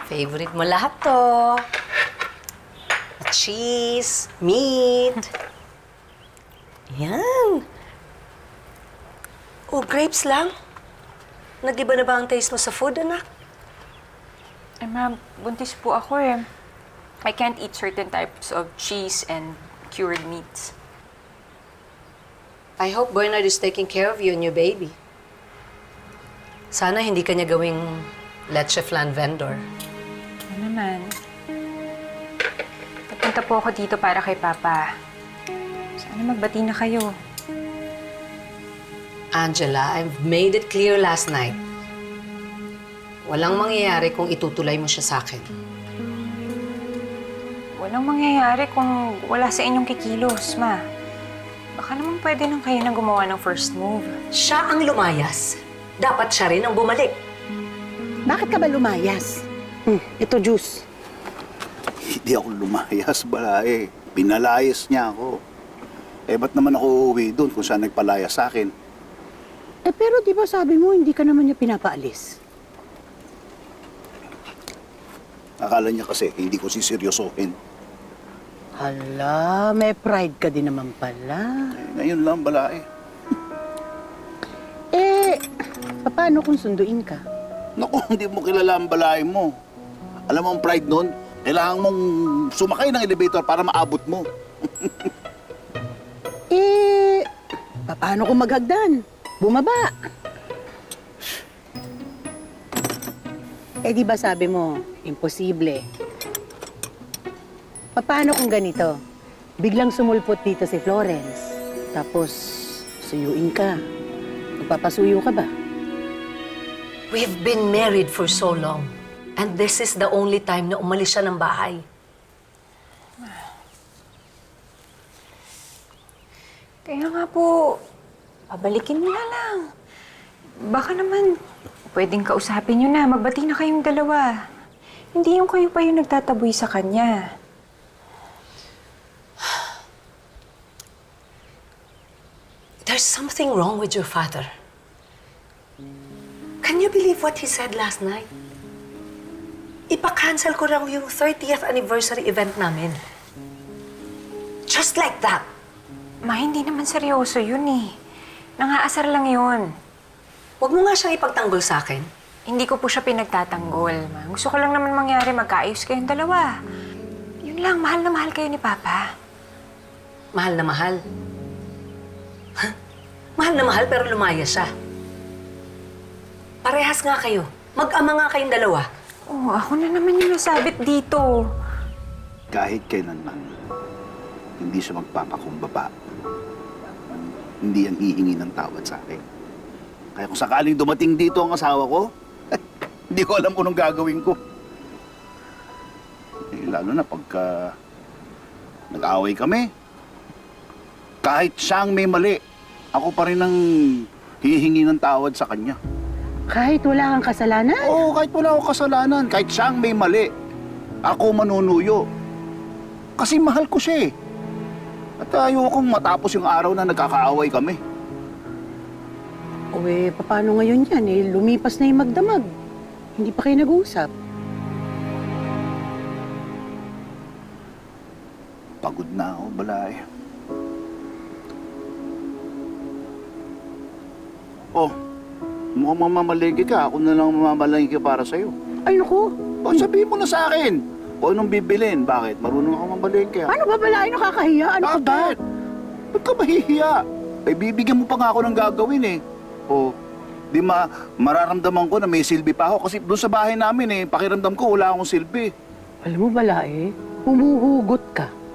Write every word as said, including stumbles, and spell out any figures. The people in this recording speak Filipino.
Favorite mo lahat to. Cheese, meat. Yan. Oh, grapes lang? Nag-iba na ba ang taste mo sa food, anak? Eh, ma'am, buntis po ako eh. I can't eat certain types of cheese and cured meats. I hope Bernard is taking care of you and your baby. Sana hindi ka niya gawing leche flan vendor. Ano naman? Napunta po ako dito para kay Papa. Sana magbati na kayo. Angela, I've made it clear last night. Walang mangyayari kung itutuloy mo siya sa akin. Walang mangyayari kung wala sa inyong kikilos, ma. Baka naman pwede nang kayo na gumawa ng first move. Siya ang lumayas. Dapat siya rin ang bumalik. Bakit ka ba lumayas? Hmm, ito juice. Hindi ako lumayas, balae. Pinalayas niya ako. Eh, ba't naman ako uuwi doon kung saan nagpalayas sa akin? Eh pero di ba sabi mo hindi ka naman niya pinapaalis? Akala niya kasi hindi ko siseryosohin. Hala, may pride ka din naman pala. Eh, ngayon lang, balae. Eh, paano kung sunduin ka? Naku, hindi mo kilala ang balae mo. Alam mo ang pride nun? Kailangan mong sumakay ng elevator para maabot mo. Eh, paano kung maghagdan? Bumaba. Eh di ba sabi mo, imposible. Paano kung ganito? Biglang sumulpot dito si Florence. Tapos, suyuin ka. Magpapasuyo ka ba? We've been married for so long. And this is the only time na umalis siya ng bahay. Kaya nga po, pabalikin mo na lang. Baka naman, pwedeng kausapin niyo na. Magbati na kayong dalawa. Hindi yung kayo pa yung nagtataboy sa kanya. There's something wrong with your father. Can you believe what he said last night? Ipa-cancel ko raw yung thirtieth anniversary event namin. Just like that. Ma, hindi naman seryoso yun eh. Nangaasar lang yun. Huwag mo nga siyang ipagtanggol sa akin. Hindi ko po siya pinagtatanggol, ma. Gusto ko lang naman mangyari magkaayos kayong dalawa. Yun lang, mahal na mahal kayo ni Papa. Mahal na mahal. Huh? Mahal na mahal pero lumaya siya. Parehas nga kayo. Mag-ama nga kayong dalawa. Oh, ako na naman yung nasabit dito. Kahit kailanman, hindi siya magpapakumbaba. Hindi yan hihingi ng tawad sa akin. Kaya kung sakaling dumating dito ang asawa ko, hindi ko alam kung anong gagawin ko. Eh, lalo na pagka nag-away kami. Kahit siyang may mali, ako pa rin ang hihingi ng tawad sa kanya. Kahit wala kang kasalanan? Oo, kahit wala akong kasalanan, kahit siyang may mali, ako manunuyo. Kasi mahal ko siya eh. At ayokong matapos yung araw na nagkakaaway kami. O eh, paano ngayon yan? Eh, lumipas na yung magdamag. Hindi pa kayo nag-uusap. Pagod na ako, balay. Oh, mukhang mamamalengke ka. Ako na lang mamamalengke para sa'yo. Ay, naku. O, sabihin mo na sa akin. Kung anong bibilin. Bakit? Marunong ako mamalengke. Ano ba balaay? Nakakahiya? Ano ka ba? Bakit? Ba't ka mahihiya? Eh, bibigyan mo pa nga ako ng gagawin eh. O, di ma mararamdaman ko na may silbi pa ako. Kasi doon sa bahay namin eh, pakiramdam ko wala akong silbi. Alam mo balaay, humuhugot ka.